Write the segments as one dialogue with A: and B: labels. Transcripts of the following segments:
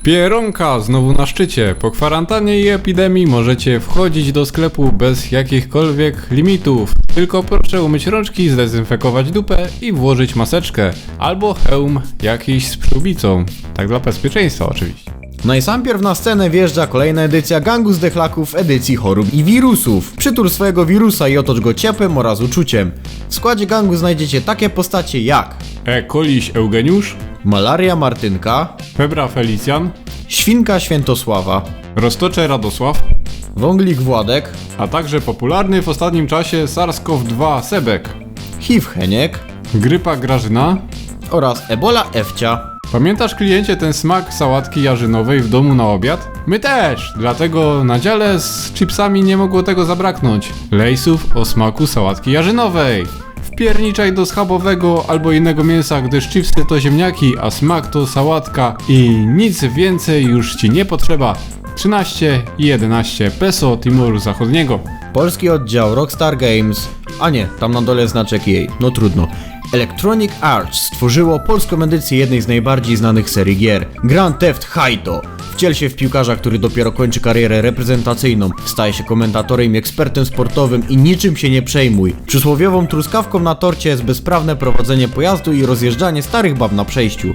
A: Pieronka znowu na szczycie. Po kwarantannie i epidemii możecie wchodzić do sklepu bez jakichkolwiek limitów. Tylko proszę umyć rączki, zdezynfekować dupę i włożyć maseczkę. Albo hełm jakiś z przyłbicą. Tak dla bezpieczeństwa oczywiście.
B: No i sam pierw na scenę wjeżdża kolejna edycja Gangu Zdechlaków edycji chorób i wirusów. Przytul swojego wirusa i otocz go ciepłem oraz uczuciem. W składzie gangu znajdziecie takie postacie jak
A: Koliś Eugeniusz,
B: Malaria Martynka,
A: Febra Felicjan,
B: Świnka Świętosława,
A: Roztocze Radosław,
B: Wąglik Władek,
A: a także popularny w ostatnim czasie SARS-CoV-2 Sebek,
B: HIV Heniek
A: Grypa Grażyna
B: oraz Ebola Ewcia.
A: Pamiętasz, kliencie, ten smak sałatki jarzynowej w domu na obiad? My też, dlatego na dziale z chipsami nie mogło tego zabraknąć. Lejsów o smaku sałatki jarzynowej. Wpierniczaj do schabowego albo innego mięsa, gdyż chipsy to ziemniaki, a smak to sałatka i nic więcej już ci nie potrzeba. 13 i 11 peso Timoru Zachodniego.
B: Polski oddział Rockstar Games, a nie, tam na dole znaczek jej, no trudno. Electronic Arts stworzyło polską edycję jednej z najbardziej znanych serii gier, Grand Theft Auto. Wciel się w piłkarza, który dopiero kończy karierę reprezentacyjną, staje się komentatorem i ekspertem sportowym i niczym się nie przejmuj. Przysłowiową truskawką na torcie jest bezprawne prowadzenie pojazdu i rozjeżdżanie starych bab na przejściu.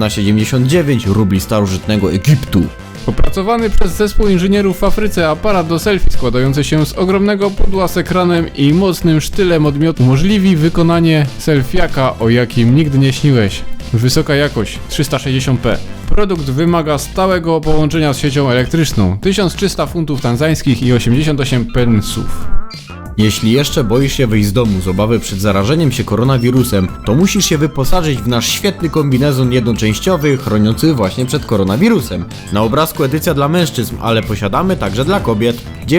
B: 1999 rubli starożytnego Egiptu.
A: Opracowany przez zespół inżynierów w Afryce aparat do selfie składający się z ogromnego pudła z ekranem i mocnym sztylem odmiotu umożliwi wykonanie selfiaka, o jakim nigdy nie śniłeś. Wysoka jakość 360p. Produkt wymaga stałego połączenia z siecią elektryczną. 1300 funtów tanzańskich i 88 pensów.
B: Jeśli jeszcze boisz się wyjść z domu z obawy przed zarażeniem się koronawirusem, to musisz się wyposażyć w nasz świetny kombinezon jednoczęściowy, chroniący właśnie przed koronawirusem. Na obrazku edycja dla mężczyzn, ale posiadamy także dla kobiet.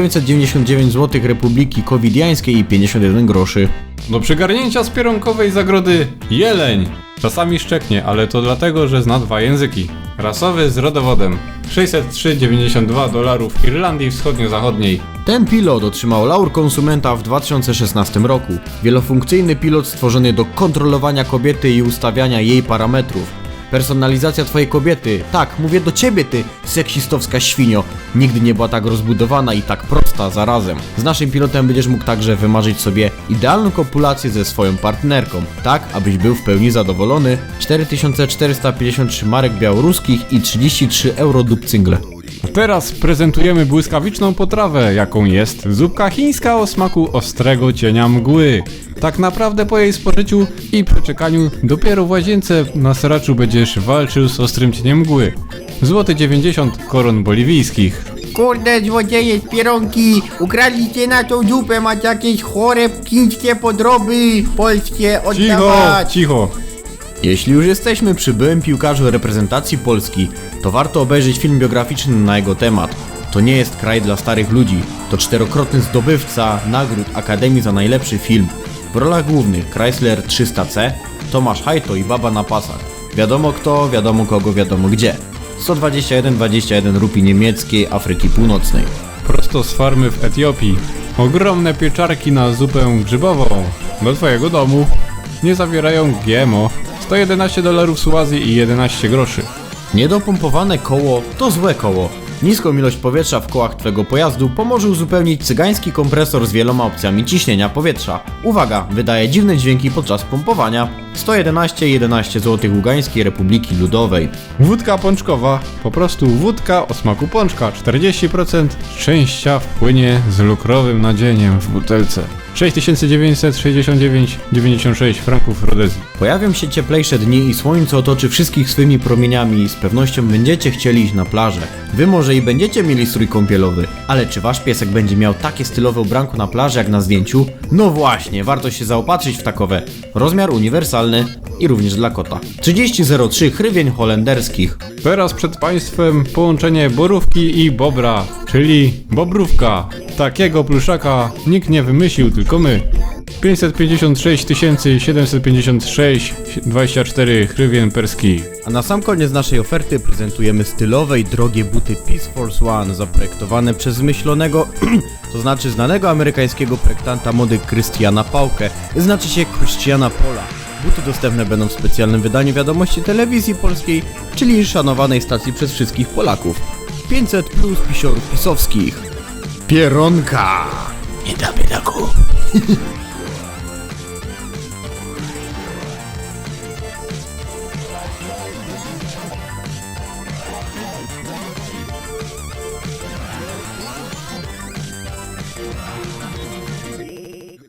B: 999 zł Republiki Covidiańskiej i 51 groszy.
A: Do przygarnięcia z pieronkowej zagrody jeleń. Czasami szczeknie, ale to dlatego, że zna dwa języki. Rasowy z rodowodem. $603,92 w Irlandii Wschodnio-Zachodniej.
B: Ten pilot otrzymał laur konsumenta w 2016 roku. Wielofunkcyjny pilot stworzony do kontrolowania kobiety i ustawiania jej parametrów. Personalizacja twojej kobiety, tak, mówię do ciebie, ty seksistowska świnio, nigdy nie była tak rozbudowana i tak prosta zarazem. Z naszym pilotem będziesz mógł także wymarzyć sobie idealną kopulację ze swoją partnerką, tak abyś był w pełni zadowolony. 4453 marek białoruskich i 33 euro dupcyngle.
A: Teraz prezentujemy błyskawiczną potrawę, jaką jest zupka chińska o smaku ostrego cienia mgły. Tak naprawdę po jej spożyciu i przeczekaniu dopiero w łazience na seraczu będziesz walczył z ostrym cieniem mgły. Złoty 90 koron boliwijskich.
C: Kurde, złodzieje z Pieronki, ukradliście na tą dupę, macie jakieś chore chińskie podroby polskie oddawać.
A: Cicho!
B: Jeśli już jesteśmy przy byłym piłkarzu reprezentacji Polski, to warto obejrzeć film biograficzny na jego temat. To nie jest kraj dla starych ludzi, to czterokrotny zdobywca nagród Akademii za najlepszy film. W rolach głównych Chrysler 300C, Tomasz Hajto i Baba na pasach. Wiadomo kto, wiadomo kogo, wiadomo gdzie. 121 rupii niemieckiej Afryki Północnej.
A: Prosto z farmy w Etiopii. Ogromne pieczarki na zupę grzybową. Do twojego domu. Nie zawierają GMO. $111 Suazji i 11 groszy.
B: Niedopompowane koło to złe koło. Niską ilość powietrza w kołach twego pojazdu pomoże uzupełnić cygański kompresor z wieloma opcjami ciśnienia powietrza. Uwaga, wydaje dziwne dźwięki podczas pompowania. 111 zł Ługańskiej Republiki Ludowej.
A: Wódka pączkowa. Po prostu wódka o smaku pączka. 40% szczęścia wpłynie z lukrowym nadzieniem w butelce. 6969,96 franków Rodezji.
B: Pojawią się cieplejsze dni i słońce otoczy wszystkich swymi promieniami i z pewnością będziecie chcieli iść na plażę. Wy może i będziecie mieli strój kąpielowy, ale czy wasz piesek będzie miał takie stylowe ubranko na plaży jak na zdjęciu? No właśnie, warto się zaopatrzyć w takowe. Rozmiar uniwersalny i również dla kota. 30,03 hrywień holenderskich.
A: Teraz przed państwem połączenie borówki i bobra, czyli bobrówka. Takiego pluszaka nikt nie wymyślił, tylko my. 556 756 24 hrywien perskich.
B: A na sam koniec naszej oferty prezentujemy stylowe i drogie buty Peace Force One, zaprojektowane przez zmyślonego, to znaczy znanego amerykańskiego projektanta mody Christiana Paukę, znaczy się Christiana Pola. Buty dostępne będą w specjalnym wydaniu Wiadomości Telewizji Polskiej, czyli szanowanej stacji przez wszystkich Polaków. 500 plus pisiorów pisowskich. Pieronka!
C: Nie da biedaku.